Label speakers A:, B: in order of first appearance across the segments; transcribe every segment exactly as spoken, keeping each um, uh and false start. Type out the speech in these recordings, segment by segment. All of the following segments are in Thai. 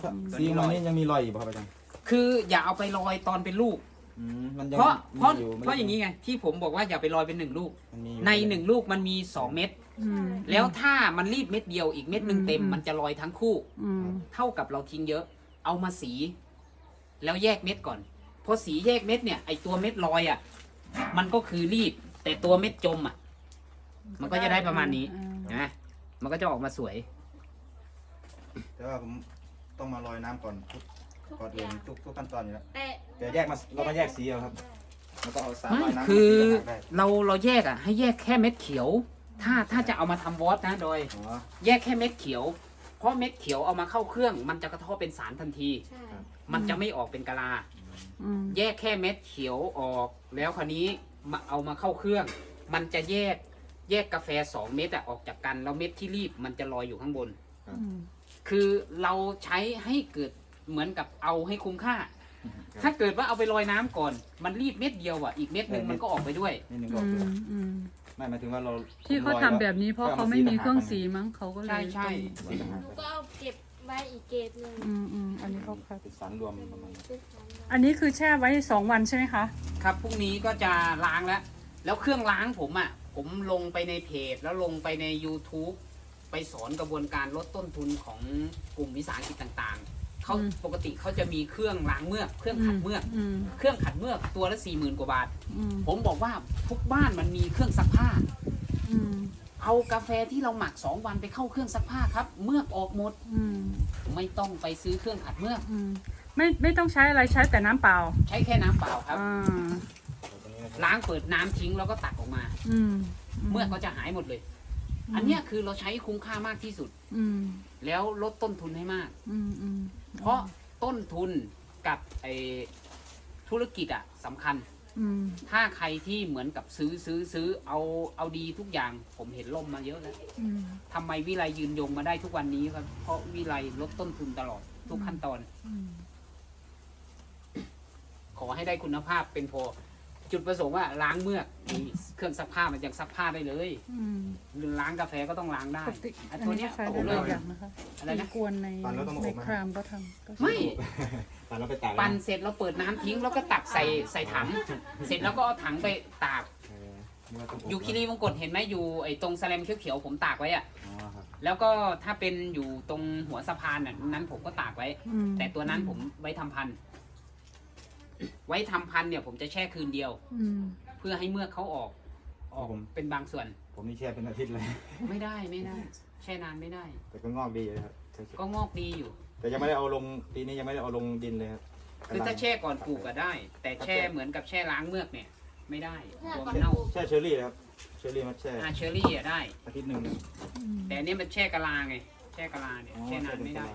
A: สีมันนี่ยังมีรอยอยู่ป่ะครับอาจารย์
B: คืออย่าเอาไปลอยตอนเป็นลูกเพราะเพราะเพราะอย่างนี้ไงที่ผมบอกว่าอย่าไปลอยเป็นหนึ่งลูกในหนึ่งลูกมันมีสองเม็ดแล้วถ้ามันรีบเม็ดเดียวอีกเม็ดหนึ่งเต็มมันจะลอยทั้งคู่เท่ากับเราทิ้งเยอะเอามาสีแล้วแยกเม็ดก่อนพอสีแยกเม็ดเนี่ยไอตัวเม็ดลอยอ่ะมันก็คือรีบแต่ตัวเม็ดจมอ่ะมันก็จะได้ประมาณนี้นะมันก็จะออกมาสวย
A: แต่ว่าผมต้องมาลอยน้ำก่อนทุกก่อนอื่นทุกทุกขั้นตอนอยู่แล้วแต่แยกมาเรามาแยกสีเอาครับแล้วก็เอาสารลอยน้ำ
B: คือเราเราแยกอ่ะให้แยกแค่เม็ดเขียวถ้าถ้าจะเอามาทำวอตนะโดยแยกแค่เม็ดเขียวเพราะเม็ดเขียวเอามาเข้าเครื่องมันจะกระทบเป็นสารทันทีมันจะไม่ออกเป็นกะลาแยกแค่เม็ดเขียวออกแล้วคราวนี้มาเอามาเข้าเครื่องมันจะแยกแยกกาแฟสองเม็ดอะออกจากกันแล้วเม็ดที่รีบมันจะลอยอยู่ข้างบนคือเราใช้ให้เกิดเหมือนกับเอาให้คุ้มค่าถ้าเกิดว่าเอาไปลอยน้ำก่อนมันรีบเม็ดเดียวอ่ะอีกเม็ดหนึ่งมันก็ออกไปด้วย
A: ไม่หมายถึงว่าเรา
C: ที่เขาทำแบบนี้เพราะเขาไม่มีเครื่องสีมั้งเขาก็เลย
B: ใช่ใช่
D: ก็เอาเก็บไว้อีกเกตหนึ่ง
C: อืมอืมอันนี้เขาคัด
A: สารรวมประมาณ
C: อันนี้คือแช่ไว้สองวันใช่ไหมคะ
B: ครับพรุ่งนี้ก็จะล้างแล้วแล้วเครื่องล้างผมอ่ะผมลงไปในเพจแล้วลงไปใน YouTube ไปสอนกระบวนการลดต้นทุนของกลุ่มวิสาหกิจต่างๆเขาปกติเขาจะมีเครื่องล้างเมือกเครื่องขัดเมือกเครื่องขัดเมือกตัวละสี่หมื่นกว่าบาทผมบอกว่าทุกบ้านมันมีเครื่องซักผ้าเอากาแฟที่เราหมักสองวันไปเข้าเครื่องซักผ้าครับเมือกออกหมดไม่ต้องไปซื้อเครื่องขัดเมือก
C: ไม่ไม่ต้องใช้อะไรใช้แต่น้ำเปล่า
B: ใช้แค่น้ำเปล่าครับล้างเปิดน้ำทิ้งแล้วก็ตักออกมาเมือกก็จะหายหมดเลยอันนี้คือเราใช้คุ้มค่ามากที่สุดแล้วลดต้นทุนให้มากเพราะต้นทุนกับไอธุรกิจอะสำคัญถ้าใครที่เหมือนกับซื้อซื้อซื้อเอาเอาดีทุกอย่างผมเห็นล่มมาเยอะแล้วทำไมวิไลยืนยงมาได้ทุกวันนี้ครับเพราะวิไลลดต้นทุนตลอดทุกขั้นตอนขอให้ได้คุณภาพเป็นพอจุดประสงค์ว่าล้างเมือกเครื่องซักผ้ามันยังซักผ้าได้เลยล้างกาแฟก็ต้องล้างได้ตัวนี้ผมเลยอะไรนะ
C: กวนในในครามก็ท
B: ำไม่
A: ปั่นแล้วไปตาก
B: ปั่นเสร็จเราเปิดน้ำทิ้งแล้วก็ตักใส่ใส่ถังเสร็จแล้วก็เอาถังไปตากอยู่คีรีวงกฏเห็นไหมอยู่ไอ้ตรงแสลมเขียวๆผมตากไว้อะแล้วก็ถ้าเป็นอยู่ตรงหัวสะพานนั้นผมก็ตากไว้แต่ตัวนั้นผมไว้ทำพันธุ์ไว้ทำพันธุ์เนี่ยผมจะแช่คืนเดียวเพื่อให้เมือกเขาออกออกเป็นบางส่วน
A: ผมนี่แช่เป็นอาทิตย์เลย
B: ไม่ได้ไม่ได้แช่นานไม่ได้
A: แต่ก็งอกดีเลยครับ
B: ก็งอกดีอยู่
A: แต่ยังไม่ได้เอาลงปีนี้ยังไม่ได้เอาลงดินเลยครับ
B: คือถ้าแช่ก่อนปลูกก็ได้ แต่แช่เหมือนกับแช่ล้างเมือกเนี่ยไม่ได้ตัวมันเน่า
A: แช่เชอร์รี่ครับเชอร์รี่มันแช่
B: อ่าเชอร์รี่อ่ะได้
A: อาทิตย์หนึ่ง
B: แต่อันนี้มันแช่กะลาไงแช่กะลาเนี่ยแช่นานไม่ได้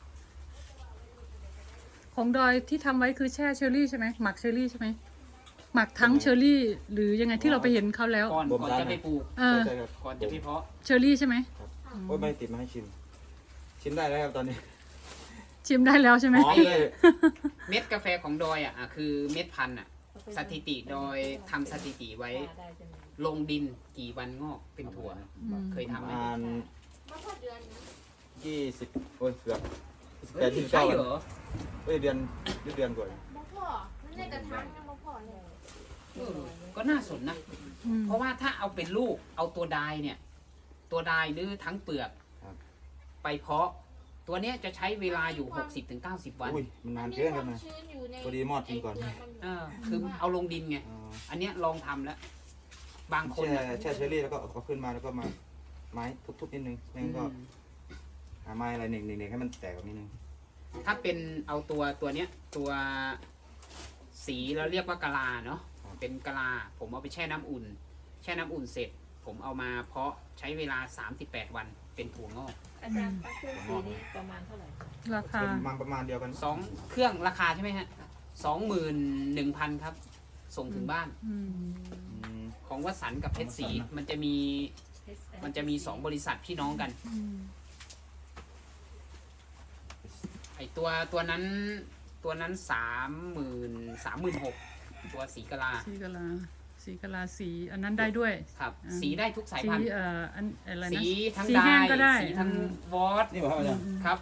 C: ของดอยที่ทำไว้คือแช่เชอร์รี่ใช่ไหมหมักเชอร์รี่ใช่ไหมหมักทั้งเชอร์รี่หรือยังไงที่เราไปเห็นเขาแล้ว
B: ก่อนก่อนจะไปปลูกก่อนจะไปเพาะ
C: เชอร์รี่ใช่ไหม
A: โอ้ยไม่ติดมาให้ชิมชิมได้แล้วครับตอนนี้
C: ชิมได้แล้วใช่ไหม
B: เม็ดกาแฟของดอยอ่ะคือเม็ดพันธุ์อ่ะสถิติดอยทำสถิติไว้ลงดินกี่วันงอกเป็นถั่วเคยทำไหม
A: ยี่สิบโอ้ยเกือบแต่ที่เก้าวันเอ้ยเดือนเดือนกว่า
D: บ่พอมันในกระถางยังบ่พอเลย
B: ก็น่าสนนะเพราะว่าถ้าเอาเป็นลูกเอาตัวดายเนี่ยตัวดายหรือทั้งเปลือกไปเพาะตัวเนี้ยจะใช้เวลาอยู่ หกสิบถึงเก้าสิบ วัน
A: อุ้ยมันนานเกินครับนะพอดีมอดกินก่อน
B: เออคือเอาลงดินไงอันเนี้ยลองทำแล้วบางคน
A: แช่แช่เชอร์รี่แล้วก็เอาขึ้นมาแล้วก็มาไม้ทุบๆนิดนึงแล้วก็หาไม้อะไรหนึ่งหนึ่งให้มันแตกนิดนึง
B: ถ้าเป็นเอาตัวตัวเนี้ยตัวสีเราเรียกว่ากะลาเนาะเป็นกะลาผมเอาไปแช่น้ำอุ่นแช่น้ำอุ่นเสร็จผมเอามาเพาะใช้เวลาสามสิบแปดวันเป็นถั่วงอก
D: อาจารย์เครื่องสีนี้ประมาณเท่าไหร่
C: ราคา
A: ประมาณประมาณเดียวกัน
B: สองเครื่องราคาใช่ไหมฮะสองหมื่นหนึ่งพันครับส่งถึงบ้านของวสันต์กับเพชรศรีมันจะมีมันจะมีสองบริษัทพี่น้องกันไอตัวตัวนั้นตัวนั้นสามหมื่นสามหมื่นหกตัวสีกะลา
C: สีกะลาสีกะลาสีอันนั้นได้ด้วย
B: ครับสีได้ทุกสายพันธุ์
C: สีเอ่ออันอะไรนะ
B: สีทั้งได้สีทั้งวอต
A: นี่บอกว่าอาจารย์
B: ครับ
A: เขา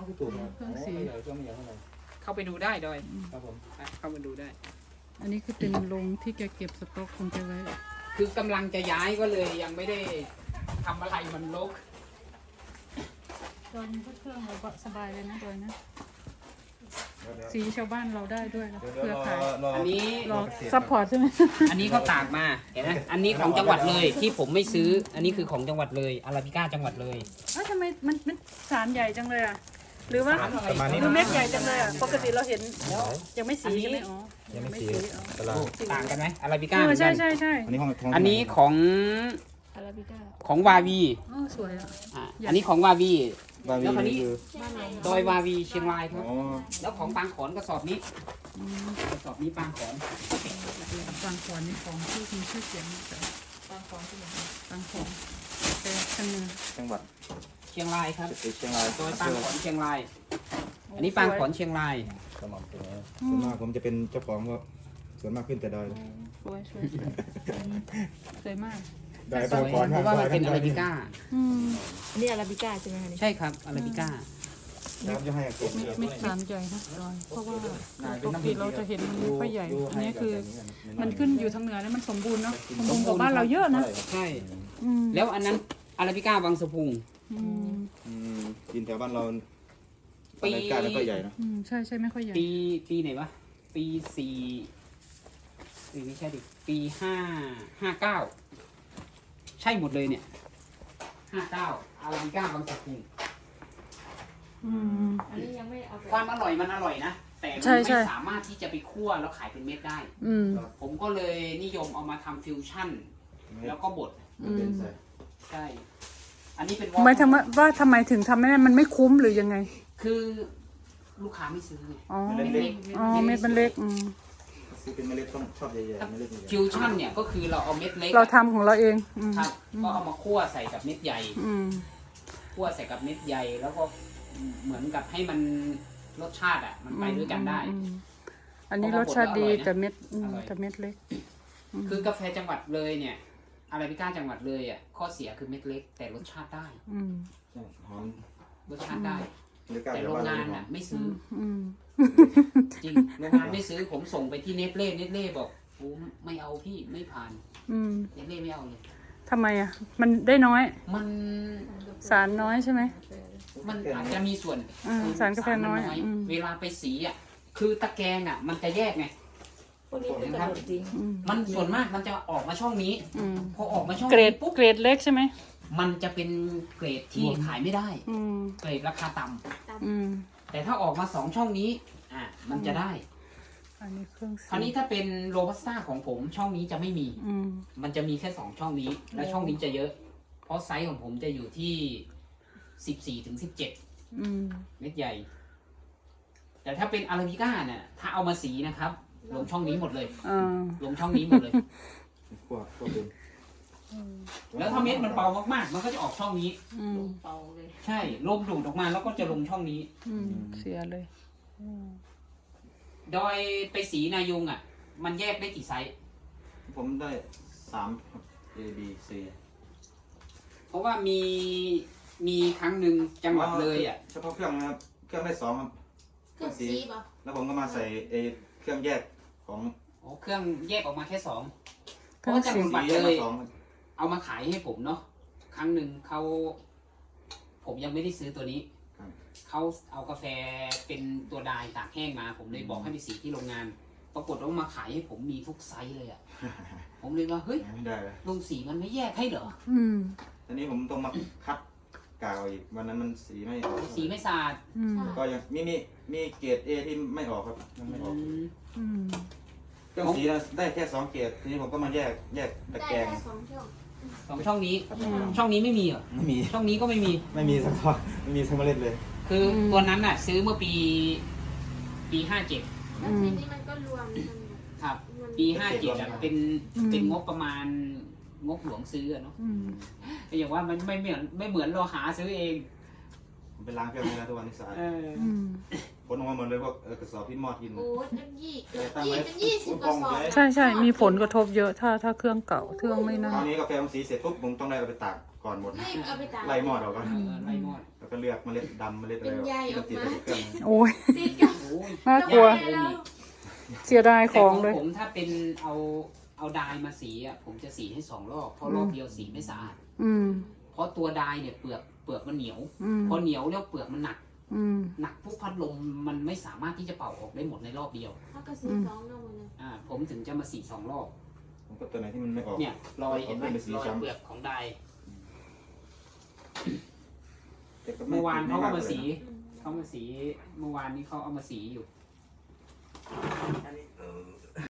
A: พี่ตู่ครับ
C: เครื่องสี
A: โใหญ่เครื่องไม่ใหญ่เท่าไหร่
B: เข้าไปดูได้ดอย
A: ครับผม
B: ไปเข้ามาดูได้
C: อันนี้คือเป็นโรงที่แกเก็บสต็อกของแกไว้
B: คือกำลังจะย้ายก็เลยยังไม่ได้ทำอะไรมันรก
C: ดอยมีเครื่องเราก็สบายเลยนะดอยนะ
A: เดี๋ยวเดี๋ยว
C: สีชาวบ้านเราได้ด้วยนะ
A: เดี๋ยว
C: เครือ
A: รอ
C: ข่าย
A: รอ
B: อันนี้
C: รอซัพพอร์ตใช่ไหม
B: อันนี้เขาตากมาเห็นไหมอันนี้ของจังหวัดเลยที่ผมไม่ซื้อ อันนี้คือของจังหวัดเลยอาราบิก้าจังหวัดเลย
C: เอ้าทำไมมันมันสารใหญ่จังเลยอ่ะ หรือว่า
A: ประมาณนี้
C: ดู
A: นะ
C: เม็ดใหญ่จังเลยอ่ะ ปกติเราเห็นยังไม่สีใช่ไหมอ๋อ
A: ยังไม่สี
C: อ๋อ
A: ตลาด
B: ต่างกันไหมอาราบิก้า
C: เอ
B: เห
C: อ
B: มือน
C: ใช่
B: กัน
C: ใช่ใช่
A: อันนี้ของของ
B: อันนี้ของ
D: อาราบิก้า
B: ของวาวี
C: อ๋อสวยอ่ะ
B: อ่ะอันนี้ของวาวี
A: บาวี
B: แล้วคราวนี้
A: นี่คือ
D: บ้านเรา
B: ดอยวาวีเชียงรายครับ
A: อ๋อ
B: แล้วของปางขอนกระสอบนี้
C: อืม
B: กระสอบนี้ปางขอน
C: บางขอนนี่ของที่มีชื่อเสียงนะแต่
D: บางของที่ไหน
C: บางขอนแต่ทางเหนือ
A: จังหวัด
B: เชียงรายครับ
A: เชียงราย
B: ดอยปางขอนเชียงราย อันนี้ปางขอนเชียงราย
A: สม่ำเสมอส่วนมากผมจะเป็นเจ้าของก็ส่วนมากขึ้นแต่ดอย
C: สวยสวยสวยสวยมาก
A: ดอย
B: สวย
A: ปาง
B: เพ
A: ก่อน
B: ราะว่ามันเป็นอาราบิก้า
C: อืม
D: อันนี้อาราบิก้าใช่ไหมคะนี่
B: ใช่ครับอาราบิก้า
A: ครับจะให้เก็บ
C: เม็ดเม็ดสารใหญ่นะดอยเพราะว่าปกติเราจะเห็นมันไม่ค่อยใหญ่ อันนี้คือ มันขึ้นอยู่ทางเหนือแล้วมันสมบูรณ์เนาะสมบูรณ์กว่าบ้านเราเยอะนะ
B: ใช่
C: อืม
B: แล้วอันนั้นอาราบิก้าบางสะพุง
C: อืม
A: อืมกินแถวบ้านเรา
B: ปี
A: รายการไม่ค่อยใหญ่เนอะ
C: อืมใช่ใช่ไม่ค่อยใหญ่
B: ปีปีไหนวะ ปีสี่ปีไม่ใช่ดิ ปีห้าห้าเก้าใช่หมดเลยเนี่ยห้าเก้าอาราบิก้าบางสะพุง
C: อืม
D: อันนี้ยังไม่เอาไป
B: ความอร่อยมันอร่อยนะ แต่มัน
C: ใช่ใช่
B: ไม่สามารถที่จะไปคั่วแล้วขายเป็นเม็ดได้
C: อืม
B: ผมก็เลยนิยมเอามาทำฟิวชั่น แล้วก็บด
C: อืม
B: ใช่ อันนี้เป็น
C: หมายถึงว่าว่าทำไมถึงทำไม่ได้มันไม่คุ้มหรือยังไง
B: คือลูกค้าไม่ซื้อไง
C: อ๋อ
A: เม็ดเล็ก
C: อ๋อเม็ดมันเล็กอืม
A: ซื้อเป็นเมล็ดต้องชอบใหญ่ๆเมล็ดใหญ่
B: ฟิวชั่นเนี่ยก็คือเราเอาเม็ดเล็ก
C: เราทำของเราเองอืม
B: ครับก็เอามาคั่วใส่กับเม็ดใหญ่
C: อืม
B: คั่วใส่กับเม็ดใหญ่ แล้วก็เหมือนกับให้มันรสชาติอ่ะ มันไปด้วยกันได้
C: อืมอันนี้รสชาติดีแต่เม็ดอืม
B: อร่อย
C: แต่เม็ดเล็ก
B: คือกาแฟจังหวัดเลยเนี่ยอาราบิก้าจังหวัดเลยอ่ะข้อเสียคือเม็ดเล็ก แต่รสชาติได้
C: อืม
A: ๆใช่หอม
B: รสชาติได้
A: บรรยากาศ
B: แต่
A: แถ
B: โร
A: ว
B: ง
A: บ้านเรา
B: งาน
A: หอ
B: อ่ะ
A: ม
B: ไม่ซื้อ
C: อืม
B: จริงโรงงานไม่ซื้อผมส่งไปที่เนสเล่เนสเล่บอกโอ้ไม่เอาพี่ไม่ผ่าน
C: อืม
B: เนสเล่ไม่เอาเลย
C: ทำไมอ่ะ มันได้น้อย
B: มัน
C: สารน้อยใช่ไหม
B: มันอาจจะมีส่วน
C: อืมสารกาแฟน้อย
B: สรมั
C: อืม
B: เวลาไปสีอ่ะคือตะแกรงอ่ะ มันจะแยกไง
D: พวกนี้เป็นกระโดดจริง
C: อืม
B: มันส่วนมากมันจะออกมาช่องนี้
C: อืม
B: พอออกมาช่อง
C: เกรด
B: นี้ปุ๊บ
C: เกรดเล็กใช่ไหม
B: มันจะเป็นเกรดที่ขายไม่ได้
C: อืม
B: เกรดราคาต่ำ
C: อืม
B: แต่ถ้าออกมาสองช่องนี้อ่ะมันจะได้
C: อันนี้เครื่อง
B: คราวนี้ถ้าเป็นโรบัสต้าของผมช่องนี้จะไม่มี
C: อืม
B: มันจะมีแค่สองช่องนี้ และช่องนี้จะเยอะ เพราะไซส์ของผมจะอยู่ที่สิบสี่ถึงสิบเจ็ด
C: อืม
B: เม็ดใหญ่ แต่ถ้าเป็นอาราบิก้าเนี่ยถ้าเอามาสีนะครับ ลงช่องนี้หมดเลย
C: อ่า
B: ลงช่องนี้หมดเลย
A: พวกพวกเป็น
B: แล้วถ้าเม็ดมันเบามากๆ มันก็จะออกช่องนี้
C: อืม
D: เป่าเลย
B: ใช่ลมดูดออกมาแล้วก็จะลงช่องนี้
C: อืมเสียเลยอืม
B: โดยไปสีนายุงอ่ะ มันแยกได้กี่ไซส์
A: ผมได้สามครับ A B C
B: เพราะว่ามีมีครั้งหนึ่งจังหวัดเลยอ่ะ
A: เฉพาะเครื่องนะครับ เครื่องได้สองครับ
D: เครื่องซีป่ะ
A: แล้วผมก็มาใส่เอเครื่องแยกของ
B: โอ้เครื่องแยกออกมาแค่สองเพ
C: เครื่
B: ราะ
C: อง
B: ว่าจัง
C: สี
B: หวัด
A: แยก
B: เล
A: มาย สอง
B: เอามาขายให้ผมเนาะครั้งหนึ่งเขาผมยังไม่ได้ซื้อตัวนี้เขาเอากาแฟเป็นตัวดายตากแห้งมา ผมเลยบอกให้ไปสีที่โรงงาน ปรากฏว่ามาขายให้ผมมีทุกไซส์เลยอะ่ะ ผมเลยว่าเฮ้ย
A: ไม่ได้เลย
B: โรงสีมันไม่แยกให้เหรอ
C: อืม
A: ตอนนี้ผมต้องมาคัดกาวอีกวันนั้นมันสีไม่ออก
B: สีไม่สะอาด
C: อืม
A: ก็ยังมีมีมีเกรด A ที่ไม่ออกครับยังไม่ออก
B: อืม
C: อืม
A: เครื่องสีนะได้แค่สองเกรดทีนี้ผมก็มาแยกแยกตะ
D: ได้
A: แกรง
D: แค่สองช่อง
B: สองช่องนี้
C: อืม
B: ช่องนี้ไม่มีเหรอ
A: ไม่มี
B: ช่องนี้ก็ไม่มี
A: ไม่มีสักท่อนไม่มีสักเมล็ดเลย
B: คืออ
C: ม
B: ตัวนั้นน่ะ ซื้อเมื่อปีปีห้าเจ็ด
D: แล้วทีนี้มันก็รวมกัน
B: ครับ
D: มัน
B: ปีห้าเจ็ดอะเป็น
C: อืม
B: เป็นงบประมาณงบหลวงซื้ออะเนาะ
C: อืม
B: แต่อย่างว่ามันไม่เหมือนไม่เหมือนเราหาซื้อเอง
A: ผมไปล้างเครื่องนี้แล้วทุกวันนี้สะอาด
B: เออ
C: อืม
A: ผลออกมาหมดเลยพวกเอ่อกระสอบที่มอดกิน
D: โอ้ยเป็นยี่
A: ตั้ง
D: ยี่
A: ไว้
D: เป็นยี่สิบกระสอบ
C: ใช่ใช่มีผลกระทบเยอะถ้าถ้าเครื่องเก่าเครื่องไม่นั่
A: คน ราวนี้กาแฟผมสีเสร็จปุ๊บผมต้องได้เอาไปตากก่อนหมด
D: รีบเอาไปตาก
A: ไล่มอดออกก่อน
B: เออไล่มอด
A: กาแล้วก็เลือกเมล็ดดำเมล็ดอะไร
D: เป็นใยออกมา
A: ที่เรติดเครื่อง
C: โอ้ย
D: ติดกับ
B: โอ้ย
C: น่ากลัว
B: ยเลยนี่
C: เสียดาย
B: แต่
C: ข
B: ข
C: อ
B: อง ง
C: เลย
B: ผมถ้าเป็นเอาเอาดายมาสีอ่ะผมจะสีให้สองรอบเพราะรอบเดียวสีไม่สะอาด
C: อืม
B: เพราะตัวดายเนี่ยเปลือกเปลือกมันเหนียว
C: อืม
B: พอเหนียวแล้วเปลือกมันหนัก
C: อืม
B: หนักพวกพัดลมมันไม่สามารถที่จะเป่าออกได้หมดในรอบเดียว
D: เขาก็ซื้อสองนมเลย
B: อ่าผมถึงจะมาสีสองรอบ
A: ผมก็ตัวไหนที่มันไม่ออก
B: เนี่ยรอยเห็นไหม
A: เอาเป็นสี
B: รอย
A: ช้ำ
B: เปลือกของดาย
A: แต่ก็ไ
B: เมื่อวานเขาก็มา
A: ไกลย
B: สีเขามาสีเมื่อวานนี้เขาเอามาสีอยู่